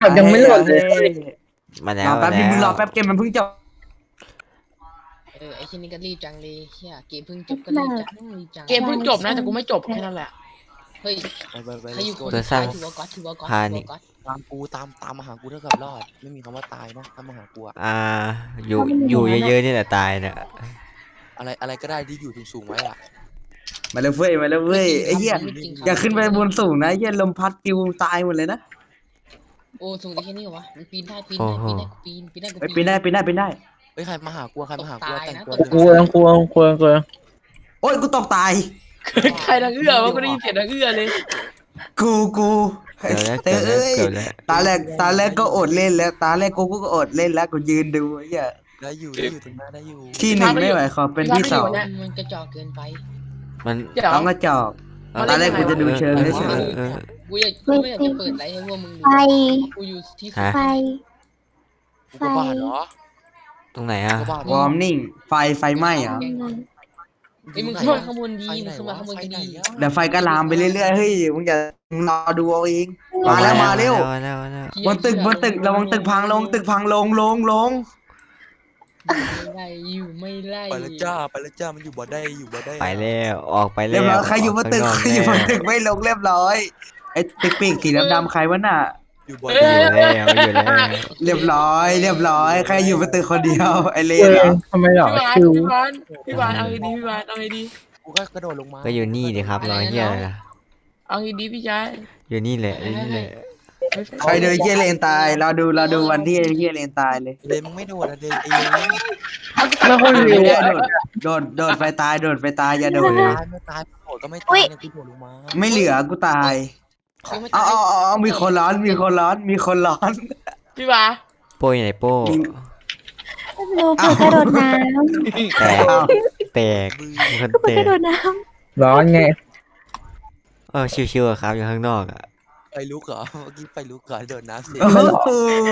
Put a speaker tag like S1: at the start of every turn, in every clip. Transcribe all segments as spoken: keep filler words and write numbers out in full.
S1: ยังไม่โหลดเลย
S2: มาแล้
S3: ร
S2: ว
S3: อแป๊บนึงมึงรอ
S2: แล้ว
S3: แป๊บเกมมันเพิ่งจบ
S4: เออไอ้ชิ้นนี้ก็รีบจังเลยเฮียเกมเพิ่งจบก็รีบจังรีบจัง
S5: เกมเพิ่งจบนะแต่กูไม่จบแค่นั้นแหละ
S4: เฮ้ย
S6: ไปไปไป
S4: ใครอยู่คน
S2: เบอร์
S4: สุด
S2: สร้า
S4: ท้าง ยถือว่าก๊อตถือว่าก๊อต
S2: พา
S4: ถือ
S2: นี่
S4: ว่าก๊อต
S6: ตามกูตามตามมาหากูเท่ากับรอด ไม่มีคำว่าตายนะตามมาหากูอะ
S2: อ่าอยู่อยู่เยอะๆนี่แหละตายเนี่ย
S6: อะไรอะไรก็ได้ที่อยู่สูงๆไว้อะ
S3: มาเลยเว้ยมาเลยเว้ยไอ้เหี้ย
S4: ไม่จริงครับ
S3: อย่าขึ้นไปบนสูงนะไอ้เหี้ยลมพัดปิวตายหมดเลยนะ
S4: โอ้สูงได้แค่นี้เหรอวะมันปีนได้ปีนได้ปีนได้กูปีนปีนได้กู
S3: ไปปีนได้ปีนได้ปีนได้
S6: เฮ้ยใครมาหากูอะใครมาหากูอะแต่งตัว
S1: กลัวกลัวกลัวกลัว
S3: โอ้ยกูตกตาย
S5: ใครดังเอื้อวะกูได้ยินเสียงดังเอื้อเลย
S3: กูกู
S2: เกิดแล้ว
S3: เอ
S2: เกิด
S3: อ
S2: แล้ว
S3: เอ้ย
S2: เกิดแล้ว
S3: ตาแรกตาแรกก็อดเล่นแล้ว ตาแรกกูก็อดเล่นแล้วกูยืนดูไอ้เหี้ย
S6: ได้อยู่ได้อยู่ตรงหน้าได้อยู่
S3: ที่หนึ่งไม่ไหวขอเป็นที่สอง
S4: มันกระจอกเกินไป
S2: มัน
S5: เดี๋ยว
S3: ต้องกระจอกตาแรกกูจะดูเชิง
S2: เออ
S3: เฉย
S2: เออเออ
S4: กูอยากกูไม่อยากจะเปิดไลฟ์ให้พวกมึงดู
S7: ไฟ
S4: กูอยู่ที่สุด
S2: ฮะ
S7: ไฟ
S6: กูก็บ้าเหรอ
S2: ตรงไหนอ่ะ
S6: กูก็บ้าเหร
S3: ว
S6: อ
S3: อร์มนิ่งไฟไฟไหม้เหรอ
S4: ไอ้ยมึงขึ้นมาข้างบนดีมึงขึ้นมาข้างบนก็ดี
S3: เดี๋ยวไฟก็ลามไปเรื่อยๆเฮ้ยมึงอย่ารอดูเอาเองมาแล้วมาเร็ว
S2: มาแล้วมาแล้ว
S3: บนตึกบนตึกระวังตึกพังลงตึกพังลงลงลง
S4: ไม่ไล่อยู่ไม่ไล่
S6: ไปแล้วจ้าไปแล้วจ้ามันอยู่บ่ได้อยู่บ่ได้
S2: ไปแล้วออกไปแล้
S3: เรียบ
S2: ว
S3: ร้อยใครอยู่บนตึก
S2: ข้าง
S3: ใครอยู่บนตึก
S2: แล้ว
S3: ไม่ลงเรียบร้อยไอ้ตึกปีกสีดำๆใครวะน่ะ
S6: อยู่บ่
S2: อ
S6: ได้
S2: ยู่แล้วอยู่แล้ว
S3: เรียบร้อย เรียบร้อย ใครอยู่บนตึกคนเดียวไอเล
S1: เอน
S3: เหร
S1: อ
S3: อ
S1: ทำไมหรอ
S5: พี่บาน
S1: คิว
S5: พี่บานพี่บานเอาไงดีพี่บานเอาไงดี
S6: กูก็กระโดดลงมา
S2: ก็อยู่นี่ดิครับรอยเหี้ยอะไรล่ะ
S5: เอาไงดีพี่ชาย
S2: อยู่นี่แหละอยู่นี่แหละ
S3: ใครเดินเฮียเลนตาย เราดูเราดูวันที่เฮียเลนตายเลย
S6: เลยมึงไม่โดดอะเดนไอ้เลย
S1: แล้วคน
S3: ไม่
S1: เร็ว
S3: ได้
S1: อะ
S3: โดดโดดโดดไฟตายโดดไฟตายอย่าโดด
S6: ตายไม่ตายโดดก็ไม่ตายเนี่ยกูโดดลงมา
S3: ไม่เหลือกูตาย
S4: เขาไม่
S3: เอา
S4: ตาย
S3: เอาเอาเอามีคนร้อนมีคนร้อนมีคนร้อน
S5: พี่บา
S2: โป้ยไหนโป้
S7: หนูเปิดกระโดดน้
S2: แตก
S3: เอา
S2: แตกมีคน
S7: ำเปิ
S2: แต
S7: ดกระ
S2: ก
S7: โดดน้
S1: ร้อนไง
S2: เออชิวๆอะครับอยู่ข้างนอกอ่ะ
S6: ไปลุกเหรอเมื่อกี้ไปลุกเหรอโดดน้ำเสีย
S3: โอ้โห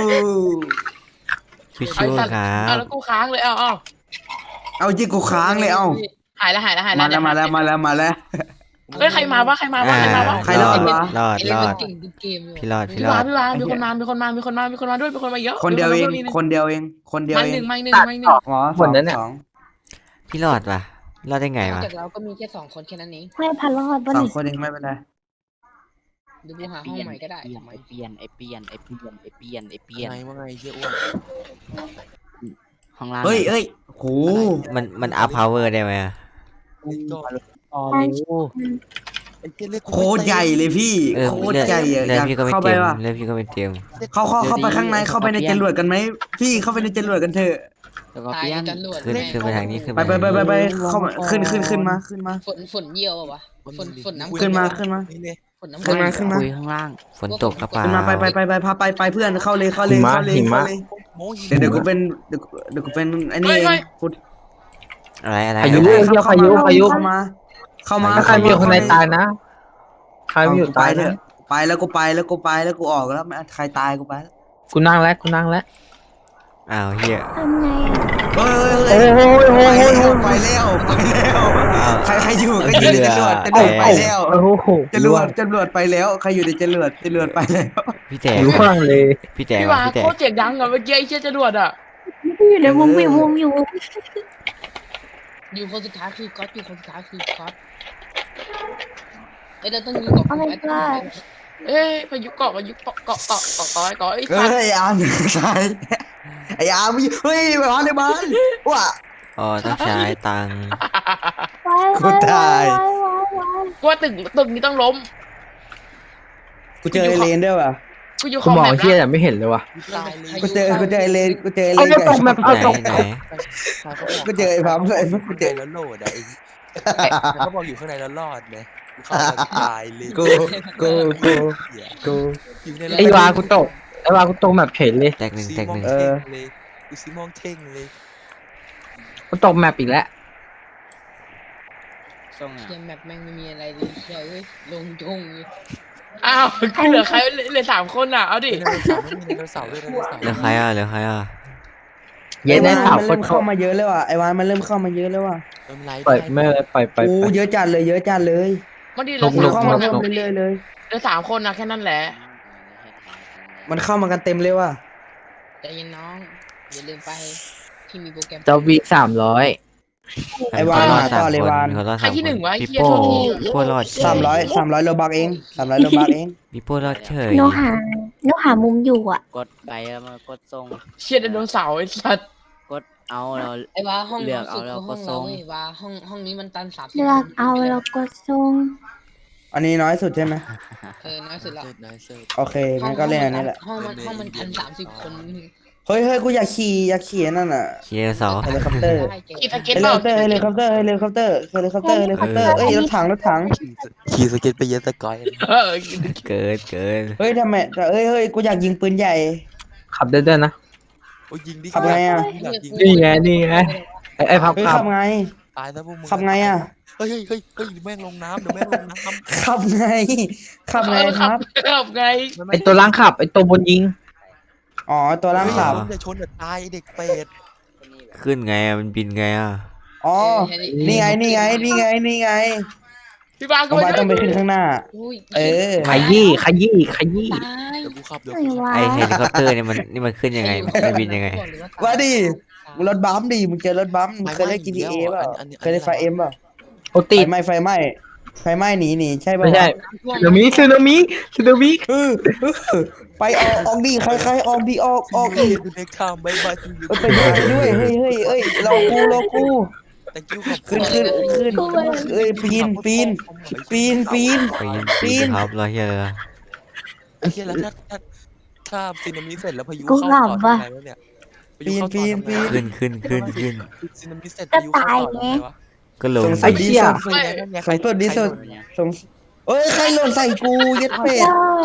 S2: ชิวๆครั
S5: เอา
S2: บ
S5: แล้วกูค้างเลยเอาเอา
S3: เอาจิกูค้างเลยเอา
S5: หายแล้วหายแล้วหาย
S3: มา
S5: แล้ว
S3: แล้วมาแล้วมาแล้วมาแล้ว
S5: เฮ้ยใครมาวะใครมาวะใครมาวะ
S3: ใครรอดวะ
S2: รอด
S4: ไอ้เล่
S2: ร
S4: น
S2: อ
S4: มัน
S2: ด
S4: เก่งทุกเกมเลย
S2: พี่รอดพี่
S5: พี่
S2: รอด
S5: บาพี่บามีคนมามีคนมามีคนมามีคนมามีคนมาด้วยมีคนมาเยอะ
S3: คนเดียวเอง
S5: มี
S3: คนเดียวเองคนเดียว
S5: มา
S3: เอ
S5: หนึ่
S3: ง
S5: งมาหนึ่งมาหนึ่ง
S3: หมอสองสอง
S2: พี่รอดปะรอดได้ไง
S4: นอก
S2: วะ
S4: จากเราก็มีแค่สองคนแค่นั้นเอง
S7: ำไม่พันรอดบน
S3: สอง
S7: นี้
S3: คนเองไม่เป็นไร
S4: เดี๋ยวกูหาห้องใหม่ก็ได้ทำไม
S8: ไอเปลี่ยนไอเปลี่ยนไอเปลี่ยนไอเปลี่ยนไอเปลี่ยน
S6: ไงว่าไงเชี่ยอ้วน
S8: ข้างล่าง
S3: เฮ้ยเอ้ยโห
S2: มันมันอัพพาวเวอร์ได้ไหมอะ
S6: นี่ก็
S8: อ๋อเร็ว
S6: ไอ้เชี่ยเลือกกู
S3: โคตรใหญ่เลยพี่
S2: เออ
S3: โคตร
S2: เลือด
S3: ใหญ่อะ
S2: เลื
S3: อ
S2: อด
S3: ยาก
S2: พี่ก็ไม่
S3: เข้าไป
S2: เต็ม
S3: ว่ะ
S2: เลือดพี่ก็ไม่เต็ม
S3: เข้าเข้าเข้าไปข้างในเข้าไปในจรวดกันไหมพี่เข้าไปในจรวดกันเถอะ
S8: แล้วก็
S4: ตาย
S8: เปลี่ยน
S4: กันหลวด
S2: ขึ้นขึ้นไปทางนี้ขึ้น
S3: ไปไปไปไปไปเข้ามาขึ้นขึ้นขึ้นมาขึ้นมา
S4: ฝนฝนเยี่ยวอะวะฝนฝนน้ำ
S3: ขึ้นมาขึ้นมา
S6: นี่เลย
S4: ฝนน้ำ
S3: ขึ้นมาขึ้นมา
S8: คุยข้างล่าง
S2: ฝนตกกระเป๋า
S3: ขึ้นมาไปไปไปไปพาไปไปเพื่อนเข้าเลยเข้าเลยเข้าเลยเข้าเลย
S6: โมหิ
S3: เดี๋ยวเดี๋ยวกูเป็นเดี๋ยวเดี๋ยวกูเป็นไอ้นี่เองกู
S2: อะไรอะไร
S1: พายุ
S2: อะไร
S1: เที่ยวพายุพายุ
S3: เข้ามา เข้ามา
S1: ถ้าใครมีคนในตายนะใครมีอยู่
S3: ไป
S1: ตาย
S3: เถ
S1: นะ
S3: อะไปแล้วกูไปแล้วกูไปแล้วกูออกแล้วไม่ใครตายกูไปแล้ว
S1: กูนั่งแล้วกูนั่งแล้ว
S2: อ้าวเฮีย
S7: ทำไงอะ
S3: เฮ้ย
S1: โอ้โหโอ้โห
S3: ไป
S1: โอ้โห
S3: แล้วไปแล้วไปแล้ว
S2: อ้าว
S3: ใครใครอยู่ก็อยู่ในจรวดจรวดไปแล้ว
S1: โอ้โห
S3: จรวดจรวดไปแล้วใครอยู่ในจรวดจรวดไปแล้ว
S2: พี่แตก
S1: อยู่ข้างล่างเลย
S2: พี่แตก
S5: พี่
S2: ว่ะ
S5: บา
S2: พี่แต
S5: โค
S2: ก
S5: ตรเจ๋งดังอะเมื่อกี้ไอ้เชี่ยจรวดอะ
S7: อยู่ในวงวิววงอยู่
S4: อยู่คนสุดท้ายคือก๊อตอยู่คนสุดท้ายคือก๊อตเอ้ยเราต้องอยู่กับไอ้ตัว
S5: เอ้ยพายุเกาะพายุเกาะเกาะเกาะเกาะเกาะเกาะไอ้
S3: เฮ้
S5: สัตว์
S3: ยไอ้อาร์มใช่ไอ้อาร์มเฮ้ยไปหาในบ้านว้า
S2: อ๋อต้องใช้ตังค์
S7: ไว้
S3: กู
S7: ไว้
S3: ตาย
S7: ไว้ไว้ไว้
S5: กูว่าตึกตึกนี้ต้องล้ม
S3: กูเจอไอเลนด้วยว่ะ
S5: กูอยู่ข
S1: กู
S5: อง
S1: มอง
S5: แบบ
S1: เฮีย
S5: นะ
S1: แต่ไม่เห็นเลยว่ะ
S6: ตายเลย
S3: กูเจอกูเจอไอเลนกูเจอไอเล
S1: เอา
S3: น
S1: จะตกแบบ
S2: ไห
S1: เอาตก
S2: นไหน
S3: กูเจอไอ้พัมเลย
S6: กู
S3: กู
S6: เจ
S3: เจ
S6: อ
S3: อ
S6: แล้วโหลดอะไอ้เขาบอกอยู่ข้างในแล้วรอดไงกูเข้ามาตายเลย
S3: กูกูกูกู
S6: อยู่ใน
S1: ไอ้วากูตกไอ้วากูตกแบบเฉยเลย
S2: แตกหนึ่ง
S6: ซี
S2: แตก
S6: มอ
S2: ห
S6: ง
S2: นึ่ง
S6: เท่งเลยกูซีมองเท่งเลย
S1: กูตกแมปอีกแล้ว
S8: ส่งอ่ะ
S4: เกมแมปแม่งไม่มีอะไรเลยเชียวเอ้ยลงจงเลย
S5: อ้าวคือเหลือใครเหลือสามคนอ่ะเอาดิ
S6: ไดโนเสาร์ไม่มีไดโนเสาร์ด้วยไดโนเสาร์
S2: เหลือใครอ่ะเหลือใครอ่ะ
S1: เย็นได้สาว
S3: มัน
S1: ค
S3: เริ่
S1: น
S3: ม
S1: เข้า
S3: เข้ามาเยอะแล้วว่ะไอ้วานมันเริ่มเข้ามาเยอะแล้วว่ะ
S6: เติมไลฟ์
S1: ปล่อยไม่เลยปล่อยปล่อย
S3: โอ้
S1: ปล่อย
S3: เยอะจัดเลยเยอะจัดเลย
S5: มาดิเหลือ
S3: มัน
S5: สาม
S3: เข้า
S5: คน
S3: มา
S5: อะ
S3: เพิ่มเรื่อยๆเลย
S5: เหลือสามคนนะแค่นั้นแหละ
S3: มันเข้ามากันเต็มเลยว่ะ
S4: ใจเย็นน้องอย่าลืมไปที่มีโปรแกรม
S1: เจ้าวีสามร้อย
S3: ไอ้วานหาต่อเลยวาน
S2: เขารอด
S5: ใคร
S2: สาม
S5: ที่หนึ่ง
S2: คน
S5: วะไอ้
S2: พี่
S5: เหี้ย
S2: โป้
S5: โทษที
S2: พี่โป้รอดเฉย
S3: สามร้อยสามร้อยโลบักเองสามร้อยโลบักเอง
S2: พี่โป้รอดเฉย
S7: หนูหาหนูหามุมอยู่อ่ะ
S8: กดไปแล้วมันกดทรง
S5: เชียไดโนเสาร์ไอ้สัตว์
S8: กดเอาเรา
S4: ไอ้ว่าห้อง
S8: เลื
S4: น้
S8: อ
S4: อก ง
S8: เอา
S4: สุด
S8: แล้ว
S4: คือห้อง
S8: ก็ส่
S4: เรา
S8: ง
S4: เว้ยว่าห้องห้องนี้มันตันสามสิบ
S7: เลือกเอาแล้วก็ส่ง
S3: อันนี้น้อยสุดใช่ไหม
S4: เออน้อยสุดละ
S6: เสิร์ฟนะเสิร์ฟ
S3: โอเคงั้นก็เล่นอันนี้แหละ
S4: ห้องมันห้องมันพันสามสิบคน
S3: เฮ้ยเฮ้ยกูอยากขี่อยากขี่นั่นน่ะ
S2: เชียร์เสา
S3: เฮลิคอปเตอร์
S4: ได้เก่ง
S5: กีตา
S3: เฮ
S5: เก็ต
S3: ลิ
S5: เป
S3: ค
S5: ล่า
S3: อปเตอร์เฮลิคอปเตอร์เฮลิคอปเตอร์เฮลิคอปเตอร์เฮลิคอปเตอร์เอ้ยรถถังรถถัง
S6: ขี่สเก็ตไปเยอะสกอย
S5: เออ
S2: เกินเกิน
S3: เฮ้ยทำไมเฮ้ยเฮ้ยกูอยากยิงปืนใหญ่
S1: ขับได้ด้วยนะ
S6: โอ้ยยิงดิ
S3: ขับไงอะ
S6: อยากยิง
S1: นี่ไงนี่ไงไอ้ไอ้พับ
S3: เฮ้ย
S1: ขับ
S3: ขับไง
S6: ตายซะพวกมึง
S3: ขับไงอ่ะ
S6: เฮ้ยเฮ้ยเฮ้ยเฮ้ยแม่งลงน้ำเดี๋ยวแม่งลงน้ำ
S3: ขับไงขับไงครับ
S5: ขับไง
S1: ไอ้ตัวล่างขับไอ้ตัวบนยิง
S3: อ๋อตัวล่างขับ
S6: อย่าชนอย่าตายไอ้เด็กเป็ด
S2: ขึ้นไงอะมันบินไงอ่ะ
S3: อ๋อนี่ไงนี่ไงนี่ไงนี่ไง
S5: พี่บ้าก็
S3: โมบายต้องไปขึ้นข้างหน้า
S4: อุ้ย
S3: เออ
S1: ขยี้ขยี้ขยี้
S4: ตาย
S6: เดี๋ยวกูขับเดี๋ยว
S7: ไหน
S6: กูขับ
S7: วะ
S2: ไอเฮลิคอปเตอร์เนี่ยมันนี่มันขึ้นยังไงมันบินยังไง
S3: ว่าดิมึงรถบัมป์ดิมึงเจอรถบัมป์มึงเคยเล่น จี ที เอ เปล่าเคยเล่นไฟเอ็มเปล่า
S1: โอ
S3: ไฟ
S1: ติด
S3: ไหม้ไฟไหม้ไฟไหม้หนีหนีใช่ป่ะ
S1: ไม่ใช่สึนามิสึนามิสึนามิ
S3: เออเออไปออกออกดิใครใครออกดิออกออกดิ
S6: เด็กข้ามบายบายจริง
S3: เออไปไหนด้วยเฮ้ยเฮ้ยเอ้ยเรากูเรากู
S6: แต่กิ้วขับ
S3: ขึ้นขึ้นขึ้นเอ้ยปีนปีนปีนปีน
S2: ปีน
S3: ปี
S2: ปี
S3: น
S2: นครับรอเฮียเลย
S6: ไอ้เหี้ยแล้วถ้าถ้าถ้าซีนามิเสร็จแล้วพายุ
S7: กู
S6: เข้า
S7: หลั
S6: ต่
S7: บ
S6: อ
S7: ว่ะ
S6: ทำไงวะเนี่ยพายุเข้าต่อทำไง
S2: ขึ้นขึ้นขึ้นขึ้น
S6: ซีนามิเสร็จพายุเข้าต่อทำไงวะ
S2: ก็ลง
S3: สงสัยดีสุด
S6: เฮ้ยนั่นไง
S3: สงสุดดีสุดสงเอ้ยใครหล่นใส่กูยัดเป็ด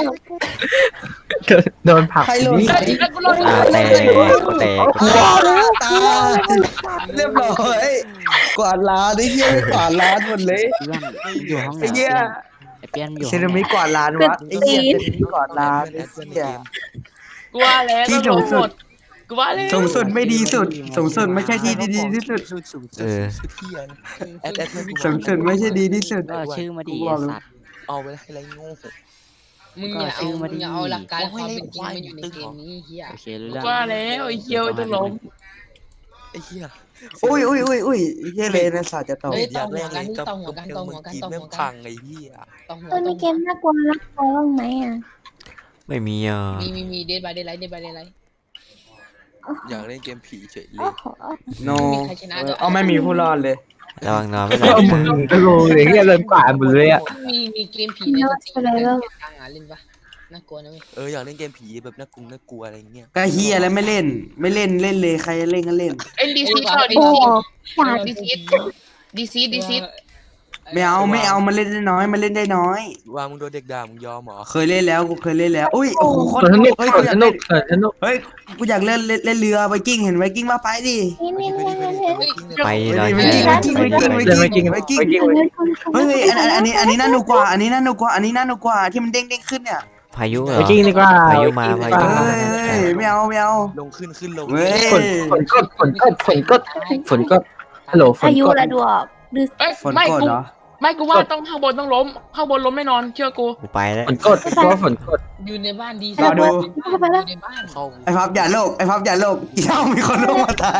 S1: โดนผลัก
S3: ใครหล่น
S1: นี่
S3: ใส่
S2: อ่าแตกแตก
S3: ว้าวตาเรียบร้อยกวาดร้านไอ้เหี้ยกวาดร้านหมดเลย
S8: เพื่อนอยู่ห้องไหน
S3: ไอ้เหี้ย
S8: ไอ้เปียนอยู่
S3: เซรามิกกวาดร้านวะไอ้เหี้ยเซรามิกกวาดร้านไอ้เหี้ย
S5: กูว่าแล้ว
S3: ที่สูงสุด
S5: กูว่าแล้ว
S3: สูงสุดไม่ดีสุดสูงสุดไม่ใช่ที่ดีที่สุด
S6: สุดสุดสุดสุดเที่ยนะแอดแอดเพื่อนกู
S3: สูงสุดไม่ใช่ดีที่สุด
S8: ก็ชื่อมาดี
S3: กูบ
S8: ไอ้
S3: อกเลย
S8: สัตว์
S6: เอาไปให้ไรโง่
S4: มึงอย่า
S8: ก็ซื้
S4: เอา
S8: อมาดิ
S4: มึงอย่าเอาหลักการความเป็นจริงมาอยู่ในเกมนี้เฮีย
S8: โอเครู้
S5: กู
S8: เรื่อง
S5: ว่าแล้วไอ้เคียวไอ้ต้องล้ม
S6: ไอ้เหี้ย
S3: อุ้ยอุ้ยอุ้ยอุ้ยเหี้ยเลยนะศาสตร์จะตก
S4: เฮ้ย
S6: อยากเล่น
S4: ต่
S6: เลย
S4: อหัว
S6: กับ
S4: กัน
S6: กับ
S4: ต่อหัวกัน
S6: เก
S4: ต่อ
S6: ม
S4: หั
S6: แม่
S4: ว
S6: ง
S4: กัน
S6: พังไอ้เหี้ย
S4: ต่อหัว
S7: ตัว
S4: ต่
S7: มี
S4: อ
S7: เก
S4: หัว
S7: มน่ากลัวน่ากลัวบ้างไหมอ่ะ
S2: ไม่มีอ่ะ
S4: มีมีมีเดทบายเดทไลท์เดทบายเดทไลท์
S6: อยากเล่นเกมผีเฉยเล
S7: โอ้
S6: ย
S7: โห
S3: โน
S4: มีใครชนะด้วย
S3: เอาไม่มีผู้รอดเลย
S2: ระวังนอนไม่หลั
S1: เอา
S2: บ
S1: มึงก็โลเลยเฮียเลยกว่าหมดเลยอ่ะ
S4: มีมีเกมผีในสตรีมกลางอ่ะเล่นปะน่ากลัวนะเว้ย
S6: เอออยากเล่นเกมผีแบบน่ากลัวน่ากลัวอะไรเงี้ย
S3: ก็เฮียแล้วไม่เล่น ไม่เล่นเล่นเลยใครเล่นก็เล่น
S5: ไอ้ดีซีเปล่าดี
S7: โอ้
S5: ซี
S7: อยาก
S5: ดีซีดีซีดีซี
S3: ไม่เอาไม่เอามันเล่นได้น้อยมันเล่นได้น้อย
S6: ว่ามึงโดนเด็กด่ามึงยอมเหรอ
S3: เคยเล่นแล้วกูเคยเล่นแล้วอุ้ยโอ้โหโคต
S1: ส
S3: ร
S1: นุก
S3: เฮ้ย
S1: ส
S3: กูอยาก
S1: นุ
S3: เล่
S1: ก
S3: น
S1: สนุก
S3: เฮ้ยกูอยากเล่นเล่นเล่นเรือไวกิ้งเห็นไวกิ้งมาไปดิ
S7: นี่นี่นี่นี่นี่
S2: ไป
S3: ไว
S2: รอ
S3: กิ้ง
S2: เฮีย
S3: ไวกิ้งไวกิ้งไวกิ้งไวกิ้งไวกิ้ง
S1: ไปกิน
S3: เฮ้ยอันอันอันนี้อันนี้น่าหนุกกว่าอันนี้น่าหนุกกว่าอันนี้น่าหนุกกว่าที่มันเด้งเด้งขึ้นเนี่ย
S2: พายุเหรอ
S1: ไปกินดีกว่า
S2: พายุมาพายุ
S3: เฮ้
S2: มาย
S3: ไม่เอาไม่เอา
S6: ลงขึ้นขึ้นลง
S3: เว้ย
S1: ฝนฝนกดฝนกดฝนกดฝนกดฮัลโหลฝน
S7: อายุ
S1: กด
S7: ระดวกดู
S5: เอ้ย
S3: ฝน
S5: ไม่
S3: กด
S5: กู
S3: เหรอ
S5: ไม่กูว่าต้องข้างบนต้องล้มข้างบนล้มไม่นอนเชื่อกู
S2: กูไปแล้ว
S1: ฝนกดเพราะว่าฝนกด
S4: อยู่ในบ้านดี
S3: รอดู
S4: อยู่ในบ้าน
S6: เข้า
S3: ไอ้พับอย่าโลกไอ้พับอย่าโลกเดี๋ยวมีคนโลกมาตาย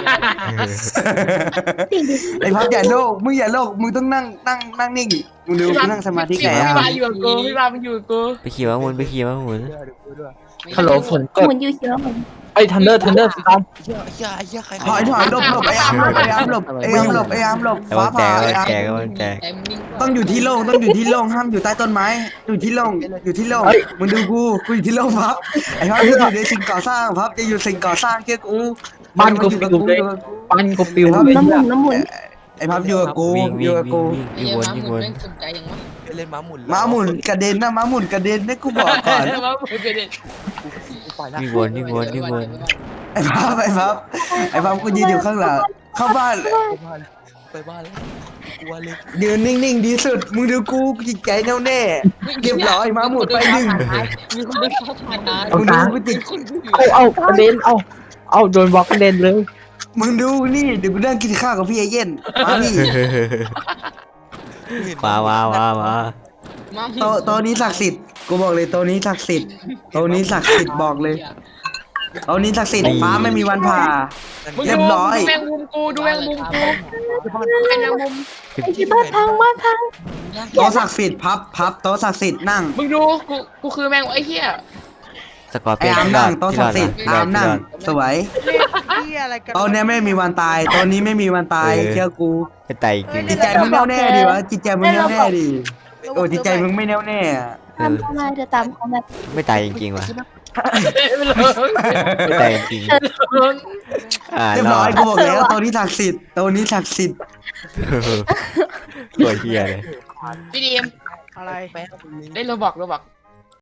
S3: ไอ้พับอย่าโลกมึงอย่าโลกมึงต้องนั่งนั่งนั่งนิ่งมึงดูมึงนั่งสมาธิ
S5: พี่
S3: ไง
S5: พี่
S3: อ่ะ
S5: บาอยู่กับกูพี่บามันอยู่กับกู
S2: ไปขี่ม้าหมุนไปขี่ม้าหมุน
S1: ฮัลโหลฝนก
S7: ห
S1: ด
S7: มุนอยู่เชื้อผม
S1: ไอ้ทันเดอร์ทันเดอร์สตอม
S6: เหี้ยเหี้ยเหี้ยใคร
S3: ถอยถอยหลบหลบไอ้อามหลบไอ้อามหลบไอ้อามหลบไอ้อามหลบ
S2: ไอ้
S3: ฟ้า
S2: วันแจ
S3: ผ่าก
S2: ไอ้
S3: ไอ้
S2: วัน
S3: อาม
S2: แจกไอ้วันแจก
S3: ต้องอยู่ที่โล่งต้องอยู่ที่โล่งห้ามอยู่ใต้ต้นไม้อยู่ที่โล่งอยู่ที่โล่งมึงดูกูกูอยู่ที่โล่งพับไอ้พับจะอยู่ในสิ่งก่อสร้างพับจะอยู่สิ่งก่อสร้างเชื่อกู
S1: บ้านกูปิวเลยบ้านกูปิวเลย
S7: น้ำหมุนน้ำหมุน
S3: ไอ้พับอยู่กับกู
S2: วิ่ง
S3: อ
S2: วิ่
S3: ยู่
S2: ง
S3: กับ
S2: วิ่
S3: กู
S2: งวิ่ง
S4: ไอ้
S2: วิ่ง
S4: เหี้
S2: วย น
S4: ม้า
S2: วิ่งวน
S4: หมุนแม่งสนใจอย่างวะ
S6: เล่นม้าหมุน
S3: ม้าหมุนกระเด็นนะม้าหมุนกระเด็นนะกูบอกก่อน
S5: มาหมุนไปเด็ด
S6: กูไปละ
S2: วิ่งวนวิ่งวนวิ่งวน
S3: ไอ้พับไอ้พับไอ้พับกูยืนอยู่ข้างหลังเข้าบ้าน
S6: ไปบ้านไปบ้านแล้วกลัวเลย
S3: ยืนนิ่งๆดีสุดมึงดูกูจิตใจแน่วแน่เรียบร้อยม้าหมุนไปหนึ่ง
S4: มีคนเดินเข้าผ่านร้าน
S3: มึงดูกูจิต
S1: เอาเอากระเด็นเอาเอาโดนบล็อกกระเด็นเลย
S3: มึงดูนี่เดี๋ยวกูนั่งกินข้าวกับพี่ไอเย็นมานี่
S2: มามามามา
S4: มา
S3: โตะโตะนี้ศักดิ์สิทธิ์กูบอกเลยตัวนี้ศักดิ์สิทธิ์ตัวนี้ศักดิ์สิทธิ์บอกเลยตัวนี้ศักดิ์สิทธิ์ฟ้าไม่มีวันผ่า
S5: มึง
S3: เรีย
S5: ดู
S3: บร้อย
S5: ดูแมงมุมกูดูแมงมุมกูแมงมุม
S7: ไอ้ที่บ้านพังบ้านพัง
S3: โต๊ะศักดิ์สิทธิ์พับพับโต๊ะศักดิ์สิทธิ์นั่ง
S5: มึงดูกูกูคือแมงไอ้เหี้ย
S2: สกอร์
S3: ไอ้
S2: เปียน
S3: อาม
S2: ที่รอ
S3: นั่ง
S2: ด
S3: โต๊ะ
S2: ที่
S3: ศั
S2: ร
S3: ก
S2: อด
S3: ดิ์สิทธิ์
S2: ที่ร
S3: อา
S2: อด
S3: มนั่ง
S2: ที่รอด
S3: สวยตัวเนี้ยไม่มีวันตายตัวนี้ไม่มีวันตายเชื่อกู
S2: ไม่ตายจริง
S3: จิตใจมึงแน่วแน่ดิวะจิตใจมึงแน่วแน่ดิโอ้จิตใจมึงไม่แน่วแน่อะ
S2: เอ
S7: ตาม
S2: อ
S7: เข้ามาเดี๋ยวตามเขาแบบ
S2: ไม่ตายจริงๆว่ะ
S5: ไม่เลย
S2: ไม่ตายจริงๆอ่า
S3: เรียบ
S2: ร
S3: ร้
S2: อ
S3: อย
S2: ด
S3: กูบอกแล้วตัวนี้ศักดิ์สิทธิ์ตัวนี้ศักดิ์สิทธิ์
S2: ตัวเฮียเลย
S5: พี่ดีม
S6: อะไรแป๊บนึง
S5: ได้โรบอกโรบอก